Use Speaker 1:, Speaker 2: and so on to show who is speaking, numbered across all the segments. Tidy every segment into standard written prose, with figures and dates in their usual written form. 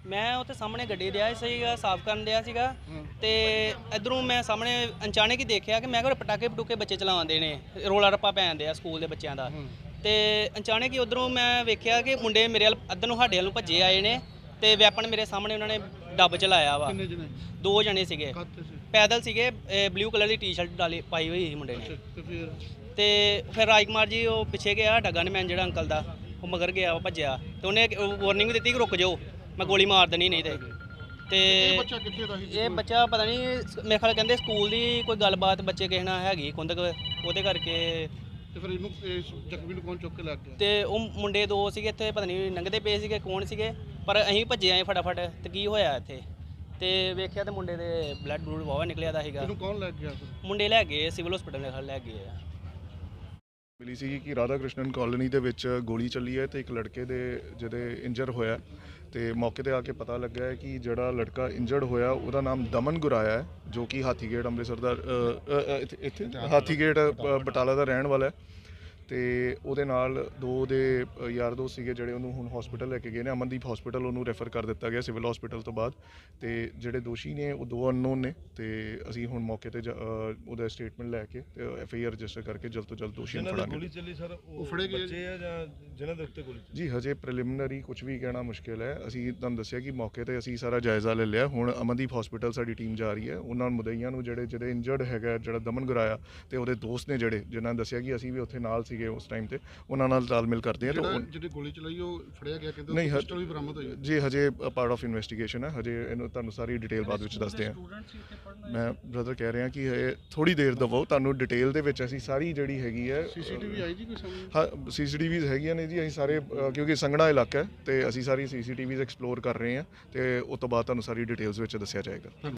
Speaker 1: ਮੈਂ ਉੱਥੇ ਸਾਹਮਣੇ ਗੱਡੀ ਰਿਹਾ ਸੀਗਾ, ਸਾਫ਼ ਕਰਨ ਰਿਹਾ ਸੀਗਾ ਤੇ ਇਧਰੋਂ ਮੈਂ ਸਾਹਮਣੇ ਅਚਾਨਕ ਹੀ ਦੇਖਿਆ ਕਿ ਮੈਂ ਕਿਹਾ ਪਟਾਕੇ ਪਟੂਕੇ ਬੱਚੇ ਚਲਾਉਂਦੇ ਨੇ, ਰੋਲਾ ਰੱਪਾ ਪੈਂਦੇ ਆ ਸਕੂਲ ਦੇ ਬੱਚਿਆਂ ਦਾ। ਤੇ ਅਚਾਨਕ ਹੀ ਉਧਰੋਂ ਮੈਂ ਵੇਖਿਆ ਕਿ ਮੁੰਡੇ ਮੇਰੇ ਵੱਲ ਅੱਧਰ ਨੂੰ ਸਾਡੇ ਵੱਲ ਨੂੰ ਭੱਜੇ ਆਏ ਨੇ ਤੇ ਵੈਪਨ ਮੇਰੇ ਸਾਹਮਣੇ ਉਹਨਾਂ ਨੇ ਡੱਬ ਚਲਾਇਆ ਵਾ। 2 ਜਣੇ ਸੀਗੇ, ਪੈਦਲ ਸੀਗੇ, ਬਲੂ ਕਲਰ ਦੀ ਟੀ-ਸ਼ਰਟ ਡਾਲੀ ਪਾਈ ਹੋਈ ਸੀ ਮੁੰਡੇ ਨੇ। ਤੇ ਫਿਰ ਰਾਜਕੁਮਾਰ ਜੀ ਉਹ ਪਿੱਛੇ ਗਿਆ, ਢੱਗਾ ਨੇ ਜੜਾ ਅੰਕਲ ਦਾ, ਉਹ ਮਗਰ ਗਿਆ, ਉਹ ਭੱਜਿਆ ਤੇ ਉਹਨੇ ਵਾਰਨਿੰਗ ਦਿੱਤੀ ਕਿ ਰੁਕ ਜਾਓ, ਮੈਂ ਗੋਲੀ ਮਾਰ ਦੇਣੀ ਨਹੀਂ ਤੇ ਇਹ ਬੱਚਾ ਪਤਾ ਨਹੀਂ ਮੇਰੇ ਖਿਆਲ ਕਹਿੰਦੇ ਸਕੂਲ ਦੀ ਕੋਈ ਗੱਲਬਾਤ ਬੱਚੇ ਕਿਸੇ ਨਾਲ ਹੈਗੀ ਕੁੰਦਕ, ਉਹਦੇ ਕਰਕੇ
Speaker 2: ਤੇ ਫਿਰ ਇਹਨੂੰ ਜ਼ਖਮੀ ਨੂੰ ਕੌਣ ਚੁੱਕ ਕੇ ਲੈ ਗਿਆ?
Speaker 1: ਤੇ ਉਹ ਮੁੰਡੇ 2 ਸੀਗੇ ਇੱਥੇ, ਪਤਾ ਨਹੀਂ ਲੰਘਦੇ ਪਏ ਸੀਗੇ ਕੌਣ ਸੀਗੇ, ਪਰ ਅਸੀਂ ਭੱਜੇ ਆਏ ਫਟਾਫਟ। ਤੇ ਕੀ ਹੋਇਆ ਇੱਥੇ ਤੇ ਵੇਖਿਆ ਤੇ ਮੁੰਡੇ ਦੇ ਬਲੱਡ ਬਲੂਡ ਵਾਵਾ ਨਿਕਲਿਆ ਦਾ ਸੀਗਾ।
Speaker 2: ਇਹਨੂੰ ਕੌਣ ਲੈ ਗਿਆ?
Speaker 1: ਮੁੰਡੇ ਲੈ ਗਏ ਸਿਵਲ ਹਸਪੀਟਲ ਲੈ ਗਏ ਆ।
Speaker 3: ਮਿਲੀ ਸੀ ਕਿ ਰਾਧਾ ਕ੍ਰਿਸ਼ਨਨ ਕਾਲੋਨੀ ਦੇ ਵਿੱਚ ਗੋਲੀ ਚੱਲੀ ਹੈ ਤੇ ਇੱਕ ਲੜਕੇ ਦੇ ਜਿਹਦੇ ਇੰਜਰ ਹੋਇਆ ਤੇ ਮੌਕੇ ਤੇ ਆ ਕੇ ਪਤਾ ਲੱਗਾ ਹੈ ਕਿ ਜਿਹੜਾ ਲੜਕਾ ਇੰਜਰਡ ਹੋਇਆ ਉਹਦਾ ਨਾਮ ਦਮਨ ਗੁਰਾਇਆ ਹੈ, ਜੋ ਕਿ ਹਾਥੀਗੇਟ ਅੰਮ੍ਰਿਤਸਰ ਦਾ ਇੱਥੇ ਹਾਥੀਗੇਟ ਬਟਾਲਾ ਦਾ ਰਹਿਣ ਵਾਲਾ ਹੈ। ਤੇ ਉਹਦੇ ਨਾਲ 2 ਦੇ ਯਾਰ ਦੋਸਤ ਸੀਗੇ ਜਿਹੜੇ ਉਹਨੂੰ ਹੁਣ ਹਸਪੀਟਲ ਲੈ ਕੇ ਗਏ ਨੇ, ਅਮਨਦੀਪ ਹਸਪੀਟਲ ਉਹਨੂੰ ਰੈਫਰ ਕਰ ਦਿੱਤਾ ਗਿਆ ਸਿਵਲ ਹਸਪੀਟਲ ਤੋਂ ਬਾਅਦ। ਤੇ ਜਿਹੜੇ ਦੋਸ਼ੀ ਨੇ ਉਹ 2 ਅਨਨੋਨ ਨੇ ਤੇ ਅਸੀਂ ਹੁਣ ਮੌਕੇ ਤੇ ਉਹਦਾ ਸਟੇਟਮੈਂਟ ਲੈ ਕੇ ਤੇ FIR ਰਜਿਸਟਰ ਕਰਕੇ ਜਲਦ ਤੋਂ ਜਲਦ ਦੋਸ਼ੀ ਨੂੰ ਫੜਾਂਗੇ।
Speaker 4: ਗੋਲੀ ਚੱਲੀ ਸਰ ਉਹ ਫੜੇ ਗਏ ਬੱਚੇ ਆ ਜਾਂ ਜਿਹਨਾਂ ਦੇ ਉੱਤੇ ਗੋਲੀ?
Speaker 3: ਜੀ ਹਜੇ ਪ੍ਰੀਲਿਮਿਨਰੀ ਕੁਝ ਵੀ ਕਹਿਣਾ ਮੁਸ਼ਕਿਲ ਹੈ। ਅਸੀਂ ਤੁਹਾਨੂੰ ਦੱਸਿਆ ਕਿ ਮੌਕੇ ਤੇ ਅਸੀਂ ਸਾਰਾ ਜਾਇਜ਼ਾ ਲੈ ਲਿਆ। ਹੁਣ ਅਮਨਦੀਪ ਹਸਪੀਟਲ ਸਾਡੀ ਟੀਮ ਜਾ ਰਹੀ ਹੈ, ਉਹਨਾਂ ਮੁਦਈਆਂ ਨੂੰ ਜਿਹੜੇ ਇੰਜਰਡ ਹੈਗਾ, ਜਿਹੜਾ ਦਮਨ ਗੁਰਾਇਆ ਤੇ ਉਹਦੇ ਦੋਸਤ ਨੇ ਜਿਨ੍ਹਾਂ ਨੇ ਦੱਸਿਆ ਕਿ ਅਸੀਂ ਵੀ ਉੱਥੇ ਨਾਲ ਸੀਗੇ ਉਸ ਟਾਈਮ ਤੇ, ਉਹਨਾਂ ਨਾਲ ਤਾਲਮੇਲ ਕਰਦੇ ਆ।
Speaker 2: ਜਿਹੜੀ ਗੋਲੀ ਚਲਾਈ ਉਹ ਫੜਿਆ ਗਿਆ, ਕਹਿੰਦੇ ਪਿਸਟਲ ਵੀ ਬਰਾਮਦ ਹੋਈ
Speaker 3: ਜੀ। ਹਜੇ ਪਾਰਟ ਆਫ ਇਨਵੈਸਟੀਗੇਸ਼ਨ ਹੈ, ਹਜੇ ਇਹਨੂੰ ਤੁਹਾਨੂੰ ਸਾਰੀ ਡਿਟੇਲ ਬਾਅਦ ਵਿੱਚ ਦੱਸਦੇ ਆ। ਮੈਂ ਬ੍ਰਦਰ ਕਹਿ ਰਿਹਾ ਕਿ ਥੋੜੀ ਦੇਰ ਦਵੋ, ਤੁਹਾਨੂੰ ਡਿਟੇਲ ਦੇ ਵਿੱਚ ਅਸੀਂ ਸਾਰੀ ਜਿਹੜੀ ਹੈਗੀ ਹੈ।
Speaker 2: CCTV ਆਈ ਜੀ ਕੋਈ ਸਾਹਮਣੇ?
Speaker 3: ਹਾਂ CCTVs ਹੈਗੀਆਂ ਨੇ ਜੀ। ਅਸੀਂ ਸਾਰੇ ਕਿਉਂਕਿ ਸੰਘਣਾ ਇਲਾਕਾ ਹੈ ਤੇ ਅਸੀਂ ਸਾਰੀ CCTVs ਐਕਸਪਲੋਰ ਕਰ ਰਹੇ ਹਾਂ ਤੇ ਉਸ ਤੋਂ ਬਾਅਦ ਤੁਹਾਨੂੰ ਸਾਰੀ ਡਿਟੇਲਸ ਵਿੱਚ ਦੱਸਿਆ ਜਾਏਗਾ।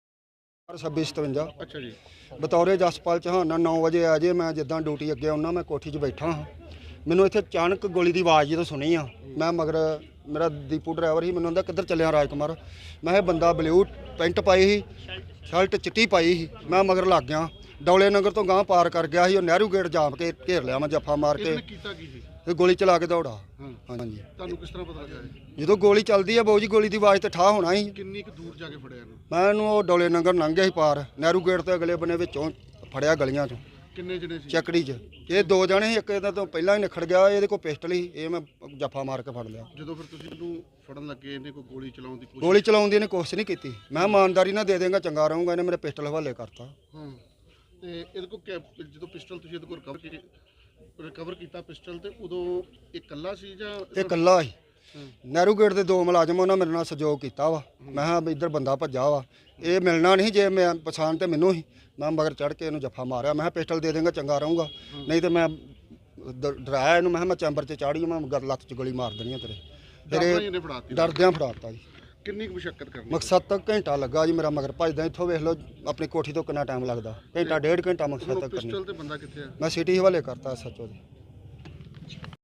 Speaker 2: 2657। ਅੱਛਾ ਜੀ।
Speaker 5: ਬਤੌਰੇ ਜਸਪਾਲ ਚੌਹਾਨ 9 ਵਜੇ ਆ ਜੇ, ਮੈਂ ਜਿੱਦਾਂ ਡਿਊਟੀ ਅੱਗੇ ਆਉਣਾ, ਮੈਂ ਕੋਠੀ 'ਚ ਬੈਠਾ ਹਾਂ, ਮੈਨੂੰ ਇੱਥੇ ਅਚਾਨਕ ਗੋਲੀ ਦੀ ਆਵਾਜ਼ ਜਦੋਂ ਸੁਣੀ ਆ, ਮੈਂ ਮਗਰ ਮੇਰਾ ਦੀਪੂ ਡਰਾਈਵਰ ਸੀ, ਮੈਨੂੰ ਕਹਿੰਦਾ ਕਿੱਧਰ ਚੱਲਿਆ ਰਾਜਕੁਮਾਰ? ਮੈਂ ਇਹ ਬੰਦਾ ਬਲੂ ਪੈਂਟ ਪਾਈ ਸੀ, ਸ਼ਰਟ ਚਿੱਟੀ ਪਾਈ ਸੀ, ਮੈਂ ਮਗਰ ਲੱਗ ਗਿਆ, ਡੌਲੇ ਨਗਰ ਤੋਂ ਗਾਂਹ ਪਾਰ ਕਰ ਗਿਆ ਸੀ, ਉਹ ਨਹਿਰੂ ਗੇਟ ਜਾਮ ਕੇ ਘੇਰ ਲਿਆ, ਮੈਂ ਜੱਫਾ ਮਾਰ ਕੇ
Speaker 2: ਕੀਤਾ ਕੀ ਸੀ?
Speaker 5: ਤੇ ਗੋਲੀ ਚਲਾ ਕੇ ਦੌੜਾ। ਹਾਂਜੀ।
Speaker 2: ਤੁਹਾਨੂੰ ਕਿਸ ਤਰ੍ਹਾਂ ਪਤਾ ਲੱਗਾ?
Speaker 5: ਜਦੋਂ ਗੋਲੀ ਚੱਲਦੀ ਆ ਬਾਊ ਜੀ, ਗੋਲੀ ਦੀ ਆਵਾਜ਼ ਤੇ ਠਾ ਹੋਣਾ ਸੀ।
Speaker 2: ਕਿੰਨੀ ਕੁ ਦੂਰ ਜਾ ਕੇ ਫੜਿਆ ਇਹਨੂੰ?
Speaker 5: ਮੈਂ ਇਹਨੂੰ ਉਹ ਡੌਲੇ ਨਗਰ ਲੰਘ ਗਿਆ ਸੀ ਪਾਰ, ਨਹਿਰੂ ਗੇਟ ਤੋਂ ਅਗਲੇ ਬੰਨੇ ਵਿੱਚੋਂ ਫੜਿਆ ਗਲੀਆਂ 'ਚੋਂ।
Speaker 2: ਕਿੰਨੇ ਜਣੇ ਸੀ?
Speaker 5: ਚੱਕੜੀ 'ਚ ਇਹ 2 ਜਣੇ ਸੀ, ਇੱਕ ਇਹਦਾ ਤੋਂ ਪਹਿਲਾਂ ਹੀ ਨਿਖੜ ਗਿਆ, ਇਹਦੇ ਕੋਲ ਪਿਸਟਲ ਸੀ, ਇਹ ਮੈਂ ਜੱਫਾ ਮਾਰ ਕੇ ਫੜ ਲਿਆ।
Speaker 2: ਜਦੋਂ ਫਿਰ ਤੁਸੀਂ ਇਹਨੂੰ ਫੜਨ ਲੱਗੇ, ਇਹਨੇ ਕੋਈ ਗੋਲੀ ਚਲਾਉਣ ਦੀ ਕੋਸ਼ਿਸ਼?
Speaker 5: ਗੋਲੀ ਚਲਾਉਣ ਦੀ ਇਹਨੇ ਕੋਸ਼ਿਸ਼ ਨਹੀਂ ਕੀਤੀ, ਮੈਂ ਇਮਾਨਦਾਰੀ ਨਾਲ ਦੇ ਦੇਂਗਾ ਚੰਗਾ ਰਹੂੰਗਾ, ਇਹਨੇ ਮੇਰੇ ਪਿਸਟਲ ਹਵਾਲੇ ਕਰਤਾ।
Speaker 2: ਹਾਂ। ਤੇ ਇਹਦੇ ਕੋਲ ਜਦੋਂ ਪਿਸਟਲ ਤੁਸੀਂ ਇਹਦੇ ਕੋਲ ਰਿਕਵਰ ਕੀਤਾ ਪਿਸਟਲ, ਤੇ ਉਦੋਂ ਇਹ ਇਕੱਲਾ ਸੀ ਜਾਂ?
Speaker 5: ਇਹ ਇਕੱਲਾ ਸੀ। ਨਹਿਰੂ ਗੇਟ ਦੇ 2 ਮੁਲਾਜ਼ਮ ਉਹਨਾਂ ਮੇਰੇ ਨਾਲ ਸਹਿਯੋਗ ਕੀਤਾ ਵਾ। ਮੈਂ ਕਿਹਾ ਵੀ ਇੱਧਰ ਬੰਦਾ ਭੱਜਾ ਵਾ, ਇਹ ਮਿਲਣਾ ਨਹੀਂ, ਜੇ ਮੈਂ ਪਛਾਣ ਤੇ ਮੈਨੂੰ ਹੀ, ਮੈਂ ਮਗਰ ਚੜ੍ਹ ਕੇ ਇਹਨੂੰ ਜੱਫਾ ਮਾਰਿਆ। ਮੈਂ ਕਿਹਾ ਪਿਸਟਲ ਦੇ ਦੇਂਗਾ ਚੰਗਾ ਰਹੂੰਗਾ, ਨਹੀਂ ਤੇ ਮੈਂ ਡਰਾਇਆ ਇਹਨੂੰ, ਮੈਂ ਕਿਹਾ ਮੈਂ ਚੈਂਬਰ 'ਚ ਚਾੜੀ, ਮੈਂ ਲੱਤ 'ਚ ਗੋਲੀ ਮਾਰ ਦੇਣੀ ਆ ਤੇਰੇ। ਡਰਦਿਆਂ ਫੜਾਤਾ ਜੀ।
Speaker 2: ਕਿੰਨੀ ਕੁ ਮੁਸ਼ੱਕਤ ਕਰਨੀ?
Speaker 5: ਮਕਸਦ ਤੱਕ ਘੰਟਾ ਲੱਗਾ ਜੀ ਮੇਰਾ, ਮਗਰ ਭੱਜਦਾ ਇੱਥੋਂ ਵੇਖ ਲਓ ਆਪਣੀ ਕੋਠੀ ਤੋਂ ਕਿੰਨਾ ਟਾਈਮ ਲੱਗਦਾ, ਘੰਟਾ 1.5 ਘੰਟਾ ਮਕਸਦ ਤੱਕ ਕਰਨੀ।
Speaker 2: ਪਿਸਟਲ ਤੇ ਬੰਦਾ ਕਿੱਥੇ ਆ?
Speaker 5: ਮੈਂ ਸਿਟੀ ਹਵਾਲੇ ਕਰਤਾ SHO ਦੇ।